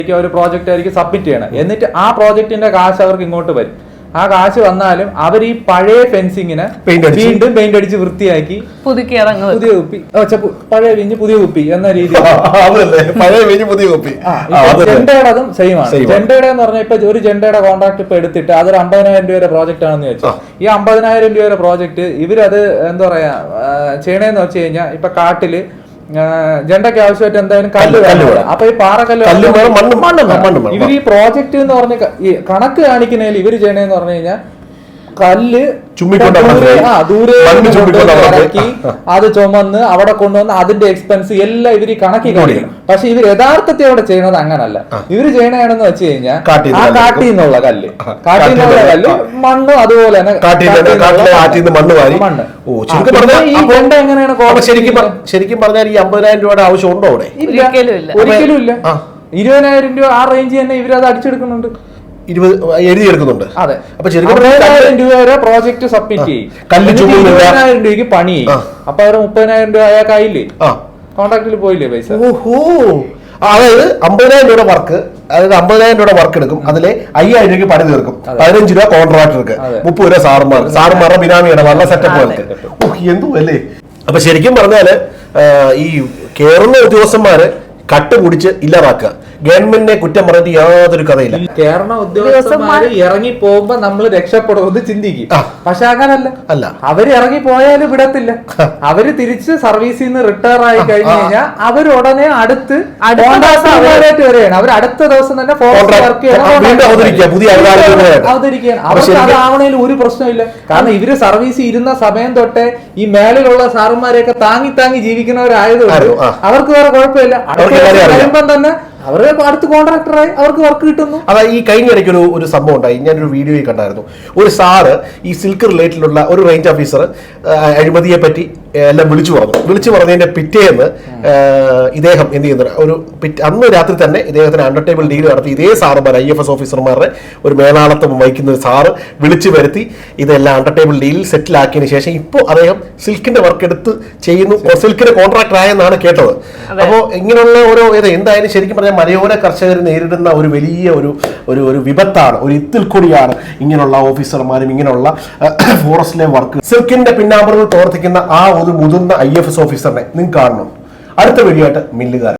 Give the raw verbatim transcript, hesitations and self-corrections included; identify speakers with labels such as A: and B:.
A: ഒരു പ്രോജക്റ്റ് ആയിരിക്കും സബ്മിറ്റ് ചെയ്യണം. എന്നിട്ട് ആ പ്രോജക്റ്റിന്റെ കാശ് അവർക്ക് ഇങ്ങോട്ട് വരും. ആ കാശ് വന്നാലും അവർ ഈ പഴയ ഫെൻസിങ്ങിനെ വീണ്ടും പെയിന്റ് അടിച്ച് വൃത്തിയാക്കി പുതുക്കി പുതിയ കുപ്പി പഴയ വിഞ്ഞ് പുതിയ കുപ്പി എന്ന രീതിയിൽ ജെണ്ടയുടേതും സെയിം ആണ്. ജെണ്ടയുടെ എന്ന് പറഞ്ഞാൽ ഇപ്പൊ ഒരു ജെണ്ടയുടെ കോൺട്രാക്ട് ഇപ്പൊ എടുത്തിട്ട് അതൊരു അമ്പതിനായിരം രൂപയുടെ പ്രോജക്റ്റ് ആണെന്ന് വെച്ചാൽ ഈ അമ്പതിനായിരം രൂപയുടെ പ്രോജക്റ്റ് ഇവരത് എന്താ പറയാ ചെയ്യണേന്ന് വെച്ച് കഴിഞ്ഞാൽ ഇപ്പൊ കാട്ടില് ജെണ്ടയ്ക്ക് ആവശ്യമായിട്ട് എന്തായാലും കല്ല് വേണം. അപ്പൊ ഈ പാറക്കല്ല് ഇവർ ഈ പ്രോജക്റ്റ് എന്ന് പറഞ്ഞ കണക്ക് കാണിക്കുന്നതിൽ ഇവര് ചെയ്യണേന്ന് പറഞ്ഞു കഴിഞ്ഞാൽ കല്ല് ദൂരെ ഇറക്കി അത് ചുമന്ന് അവിടെ കൊണ്ടുവന്ന് അതിന്റെ എക്സ്പെൻസ് എല്ലാം ഇവര് കണക്കി കാണിക്കണം. പക്ഷെ ഇവർ യഥാർത്ഥത്തിൽ അവിടെ ചെയ്യണത് അങ്ങനല്ല. ഇവര് ചെയ്യണേണെന്ന് വെച്ച് കഴിഞ്ഞാൽ ആ കാട്ടിൽ നിന്നുള്ള കല്ല് കാട്ടിൽ നിന്നുള്ള കല്ല് മണ്ണും അതുപോലെ തന്നെ മണ്ണ്. ഈ ജെണ്ട എങ്ങനെയാണ്
B: ശരിക്കും പറഞ്ഞാൽ ഈ അമ്പതിനായിരം രൂപയുടെ ആവശ്യം ഉണ്ടോ അവിടെ?
A: ഒരിക്കലും ഇല്ല. ഇരുപതിനായിരം രൂപ ആ റേഞ്ച് തന്നെ ഇവരത് അടിച്ചെടുക്കുന്നുണ്ട്,
B: എഴുതിയെടുക്കുന്നുണ്ട്.
A: അതെ. അപ്പൊ ഇരുപതിനായിരം രൂപ വരെ പ്രോജക്ട് സബ്മിറ്റ് ചെയ്യും, ഇരുപതിനായിരം രൂപയ്ക്ക് പണി ചെയ്യും. അപ്പൊ അവര് മുപ്പതിനായിരം രൂപ ആയ കയ്യില്ലേ, കോൺട്രാക്റ്റിൽ പോയില്ലേ പൈസ.
B: ഓഹോ, അതായത് അമ്പതിനായിരം രൂപയുടെ വർക്ക്, അതായത് അമ്പതിനായിരം രൂപയുടെ വർക്ക് എടുക്കും, അതിലെ അയ്യായിരം രൂപയ്ക്ക് പണി തീർക്കും. പതിനഞ്ച് രൂപ കോൺട്രാക്ടർക്ക്, മുപ്പത് രൂപ സാറുമാർ സാറുമാരുടെ ബിനാമിയുടെ വല്ല സെറ്റപ്പുകൾക്ക്. എന്തോ അല്ലേ. അപ്പൊ ശരിക്കും പറഞ്ഞാല് ഈ കേറുന്ന ഉദ്യോഗസ്ഥന്മാര് കട്ടുപിടിച്ച് ഇല്ലാതാക്കുക, ഗവൺമെന്റിനെ കുറ്റം പറഞ്ഞിട്ട് യാതൊരു കഥയില്ല.
A: കേരള ഉദ്യോഗസ്ഥന്മാര് ഇറങ്ങി പോകുമ്പോ നമ്മൾ രക്ഷപ്പെടുമെന്ന് ചിന്തിക്കും. പക്ഷെ അങ്ങനല്ല, അല്ല അവര് ഇറങ്ങി പോയാലും വിടത്തില്ല. അവര് തിരിച്ച് സർവീസിൽ നിന്ന് റിട്ടയർ ആയി കഴിഞ്ഞു കഴിഞ്ഞാൽ അവർ ഉടനെ അടുത്ത് വരെയാണ്. അവർ അടുത്ത ദിവസം തന്നെ ഫോറസ്റ്റ് വർക്ക് അവതരിക്കുകയാണ്. അവർക്ക് അതാവണേൽ ഒരു പ്രശ്നമില്ല. കാരണം ഇവര് സർവീസ് ഇരുന്ന സമയം തൊട്ടേ ഈ മേലിലുള്ള സാറുമാരെയൊക്കെ താങ്ങി താങ്ങി ജീവിക്കുന്നവരായതുകൊണ്ട് അവർക്ക് വേറെ കുഴപ്പമില്ല. വരുമ്പം തന്നെ അവര് അടുത്ത് കോൺട്രാക്ടറായി അവർക്ക് വർക്ക് കിട്ടുന്നു.
B: അതാ ഈ കഴിഞ്ഞ ഇടയ്ക്ക് ഒരു ഒരു സംഭവം ഉണ്ടായി, ഞാനൊരു വീഡിയോയിൽ കണ്ടായിരുന്നു. ഒരു സാറ് ഈ സിൽക്ക് റിലേറ്റഡിലുള്ള ഒരു റേഞ്ച് ഓഫീസർ അഴിമതിയെ പറ്റി എല്ലാം വിളിച്ചു പറഞ്ഞു. വിളിച്ചു പറഞ്ഞതിന്റെ പിറ്റേന്ന് ഇദ്ദേഹം എന്ത് ചെയ്യുന്നത്, ഒരു അന്ന് രാത്രി തന്നെ ഇദ്ദേഹത്തിന് അണ്ടർ ടേബിൾ ഡീൽ നടത്തി ഇതേ സാറുമാർ ഐ എഫ് എസ് ഓഫീസർമാരുടെ ഒരു മേലാളത്വം വഹിക്കുന്ന സാറ് വിളിച്ചു വരുത്തി ഇതെല്ലാം അണ്ടർ ടേബിൾ ഡീലിൽ സെറ്റിൽ ആക്കിയതിനു ശേഷം ഇപ്പോൾ അദ്ദേഹം സിൽക്കിന്റെ വർക്ക് എടുത്ത് ചെയ്യുന്നു, സിൽക്കിന്റെ കോൺട്രാക്ടർ ആയെന്നാണ് കേട്ടത്. അപ്പോൾ ഇങ്ങനെയുള്ള ഓരോ ഇത് എന്തായാലും ശരിക്കും പറഞ്ഞാൽ മലയോര കർഷകർ നേരിടുന്ന ഒരു വലിയ ഒരു ഒരു ഒരു വിപത്താണ്, ഒരു ഇത്തിൽ കൂടിയാണ് ഇങ്ങനെയുള്ള ഓഫീസർമാരും ഇങ്ങനെയുള്ള ഫോറസ്റ്റിലെ വർക്ക്. സിൽക്കിന്റെ പിന്നാമ്പുറങ്ങൾ പ്രവർത്തിക്കുന്ന ആ ഒരു മുതിർന്ന ഐ എഫ് എസ് ഓഫീസറിനെ നിങ്ങൾക്ക് കാണണം. അടുത്ത വീഡിയോ ആയിട്ട് മില്ലുകാരൻ.